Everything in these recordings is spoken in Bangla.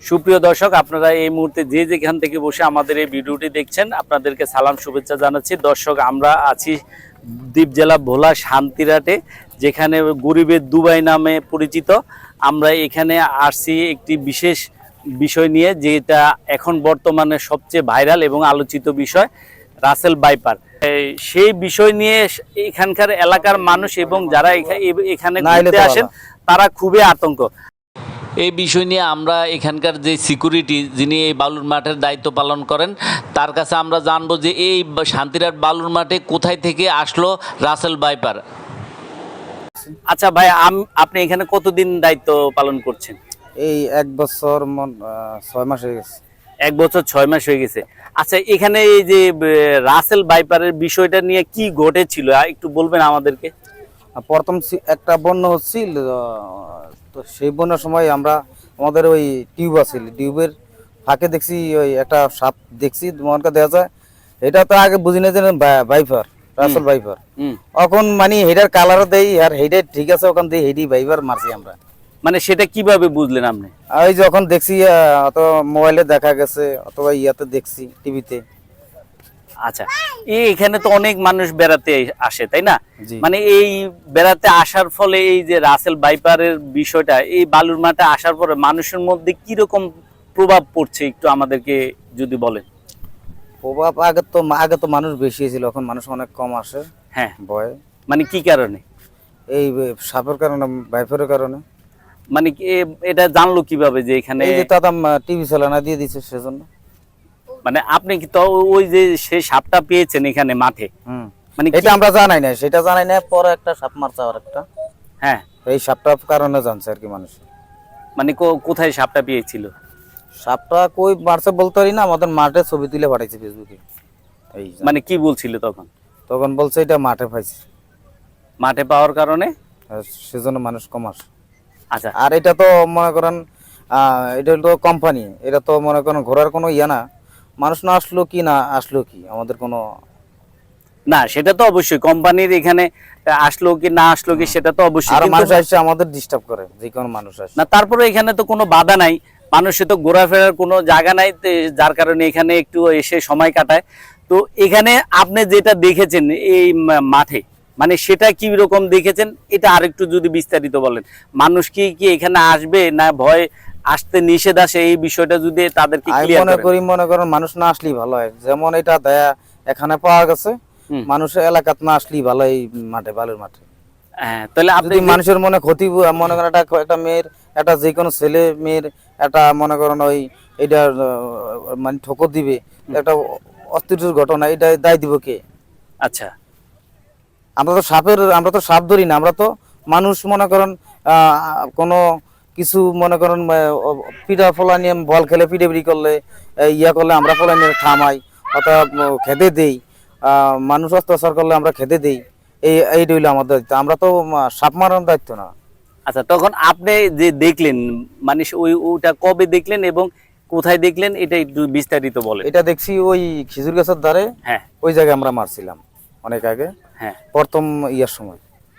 সুপ্রিয় দর্শক, আপনারা এই মুহূর্তে যে যেখান থেকে বসে আমাদের এই ভিডিওটি দেখছেন, আপনাদেরকে সালাম শুভেচ্ছা জানাচ্ছি। দর্শক, আমরা আছি দ্বীপ জেলা ভোলা শান্তিরাটে, যেখানে গরিবের দুবাই নামে পরিচিত। আমরা এখানে আসছি একটি বিশেষ বিষয় নিয়ে, যেটা এখন বর্তমানে সবচেয়ে ভাইরাল এবং আলোচিত বিষয়, রাসেল ভাইপার। সেই বিষয় নিয়ে এখানকার এলাকার মানুষ এবং যারা এখানে ঘুরতে আসেন তারা খুবই আতঙ্ক। এই বিষয় নিয়ে আমরা এখানকার যে সিকিউরিটি, যিনি এই বালুর মাঠের দায়িত্ব পালন করেন, তার কাছে আমরা জানবো যে এই শান্তিরাট বালুর মাঠে কোথায় থেকে আসলো রাসেল ভাইপার। আচ্ছা ভাই, আপনি এখানে কতদিন দায়িত্ব পালন করছেন? এই 1 বছর 6 মাস হয়ে গেছে। 1 বছর 6 মাস হয়ে গেছে। আচ্ছা, এখানে এই যে রাসেল ভাইপারের বিষয়টা নিয়ে কি ঘটেছিল একটু বলবেন আমাদেরকে? প্রথম একটা বন্যা হচ্ছিল, তো সেই বন্যার সময় আমাদের ওই টিউব আছিল, টিউবের ফাঁকে দেখছি ওই একটা সাপ দেখছি, মনকা দেখা যায়। এটা তো আগে বুঝি না যে ভাইপার, রাসেল ভাইপার। এখন মানে হেডার কালারও দেই আর হেডে ঠিক আছে, ওখান দিয়ে হেডি ভাইপার মারছি আমরা। মানে সেটা কিভাবে বুঝলেন আপনি? ওই যখন দেখছি, অত মোবাইলে দেখা গেছে অথবা ইয়াতে দেখছি, টিভিতে। আচ্ছা, এখানে তো অনেক মানুষ বেড়াতে আসে, তাই না? মানে এই বেড়াতে আসার ফলে এই যে রাসেল ভাইপারের বিষয়টা এই বালুর মাঠে আসার পরে মানুষের মধ্যে কি রকম প্রভাব পড়ছে একটু আমাদেরকে যদি বলেন। প্রভাব আগে তো মানুষ বেশি ছিল, এখন মানুষ অনেক কম আসে। হ্যাঁ, ভয়। মানে কি কারণে? এই সাপের কারণে, ভাইপারের কারণে। মানে এটা জানলো কিভাবে যে এখানে? এই যে দাদা টিভি চালানা দিয়ে দিচ্ছে সেজন্য। মানে আপনি কি তো ওই যে সেই সাপটা পেয়েছেন এখানে মাঠে? মানে এটা আমরা জানাই না, সেটা জানাই না, পরে একটা সাপ মারছে আর একটা। হ্যাঁ, এই সাপটার কারণে জানছে আর কি মানুষ। মানে কোথায় সাপটা পেয়েছিল? সাপটা কই মারছে বলতে পারি না, আমাদের মাঠে ছবি তুলে পাঠাইছে ফেসবুকে। এই মানে কি বলছিল তখন? তখন বলছে এটা মাঠে পাইছে, মাঠে পাওয়ার কারণে সেজন্য মানুষ কম আসে। আচ্ছা, আর এটা তো মনে করেন এটা তো কোম্পানি, এটা তো মনে করেন ঘোরার কোনো ইয়া না। মানুষ না আসলো কি না আসলো কি আমাদের কোনো না, সেটা তো অবশ্যই কোম্পানির এখানে আসলো কি না আসলো কি সেটা তো অবশ্যই। আর মানুষ আসছে আমাদের ডিস্টার্ব করে, যে কোনো মানুষ আসে না, তারপরে এখানে তো কোনো বাধা নাই, মানুষের তো ঘোরাফেরার কোনো জায়গা নাই, যার কারণে এখানে একটু এসে সময় কাটায়। তো এখানে আপনি যেটা দেখেছেন এই মাঠে, মানে সেটা কি রকম দেখেছেন এটা আরেকটু যদি বিস্তারিত বলেন। মানুষ কি এখানে আসবে না ভয় আসতে নিষেধ আসে, এই বিষয়টা যদি তাদেরকে ক্লিয়ার করেন। মনে করেন মানুষ না আসলেই ভালো হয়, যেমন এটা দয়া এখানে পাওয়া গেছে, মানুষের এলাকাত না আসলেই ভালো এই মাঠে, বালুর মাঠে। হ্যাঁ, তাহলে আপনি মানুষের মনে ক্ষতি, মনে করেন একটা মেয়ের, একটা যে কোনো ছেলে মেয়ের একটা মনে করেন ওই এটা মানে ঠোকর দিবে, একটা অস্থির ঘটনা, এটা দায় দিব কে? আচ্ছা, আমরা তো সাপ ধরি না, আমরা তো মানুষ মনে করেন কোনো কিছু মনে করেন পিঠা ফলা নিয়ে বল খেলে পিঠে করলে ইয়া করলে আমরা ফলা নিয়ে থামাই অথবা খেতে দেই, মানুষ অত্যাচার করলে আমরা খেতে দেই। এইটা হইলো আমাদের দায়িত্ব, আমরা তো সাপ মারার দায়িত্ব না। আচ্ছা, তখন আপনি যে দেখলেন, মানে ওইটা কবে দেখলেন এবং কোথায় দেখলেন এটা একটু বিস্তারিত বলেন। এটা দেখছি ওই খেজুর গাছের ধারে। হ্যাঁ, ওই জায়গায় আমরা মারছিলাম অনেক আগে। হ্যাঁ, প্রথম ইয়ার সময়।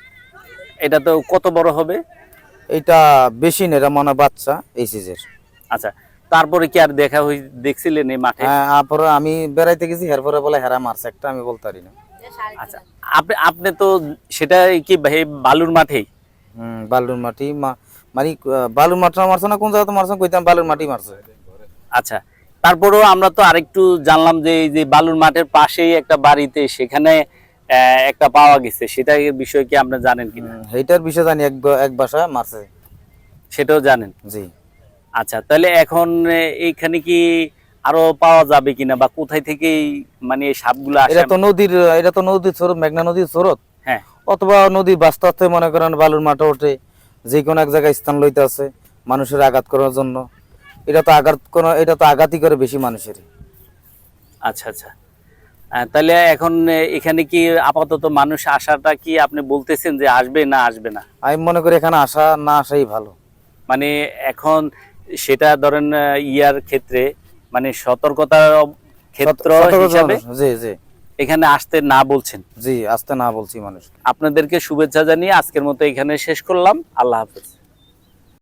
এটা তো কত বড় হবে? এটা বেশি না, এটা মনে বাচ্চা এই সিজের। আচ্ছা, তারপরে কি আর দেখছিলেন এই মাঠে? হ্যাঁ, আমি বেড়াইতে গেছি, এরপরে বলে হেরা মারছে একটা, আমি বলতে পারি না। আচ্ছা, আপনি তো সেটা কি বালুর মাঠেই? বালুর মাটি, মানে বালুর মাঠটা মারছে না, কোন জায়গাতে মারছে কইতাম, বালুর মাটি মারছে। আচ্ছা, তারপরেও আমরা তো আরেকটু জানলাম যে এই যে বালুর মাঠের পাশেই একটা বাড়িতে সেখানে একটা পাওয়া গেছে, সেটার বিষয় কি আপনি জানেন কিনা? এইটার বিষয় জানি, এক বাসা মারছে, সেটাও জানেন? জি। আচ্ছা, তাহলে এখন এইখানে কি আরো পাওয়া যাবে কিনা, বা কোথায় থেকে মানে এই সাপগুলো আসে? এটা তো নদীর স্রোত, মেঘনা নদীর স্রোত। হ্যাঁ, অথবা নদীর বাস্তে আস্তে মনে করেন বালুর মাঠে ওঠে, যে কোনো এক জায়গায় স্থান লইতে আছে মানুষের আঘাত করার জন্য। এটা তো আঘাতই করে বেশি মানুষের। আচ্ছা, আচ্ছা, তাহলে এখন এখানে কি আপাতত মানুষ আসাটা কি আপনি বলতেছেন যে আসবে না আসবে না? আমি মনে করি এখানে আসা না আসাই ভালো। মানে এখন সেটা ধরেন ইয়ার ক্ষেত্রে, মানে সতর্কতার ক্ষেত্র হিসাবে জি জি এখানে আসতে না বলছেন? জি, আসতে না বলছি মানুষ। আপনাদেরকে শুভেচ্ছা জানিয়ে আজকের মতো এখানে শেষ করলাম। আল্লাহ হাফেজ।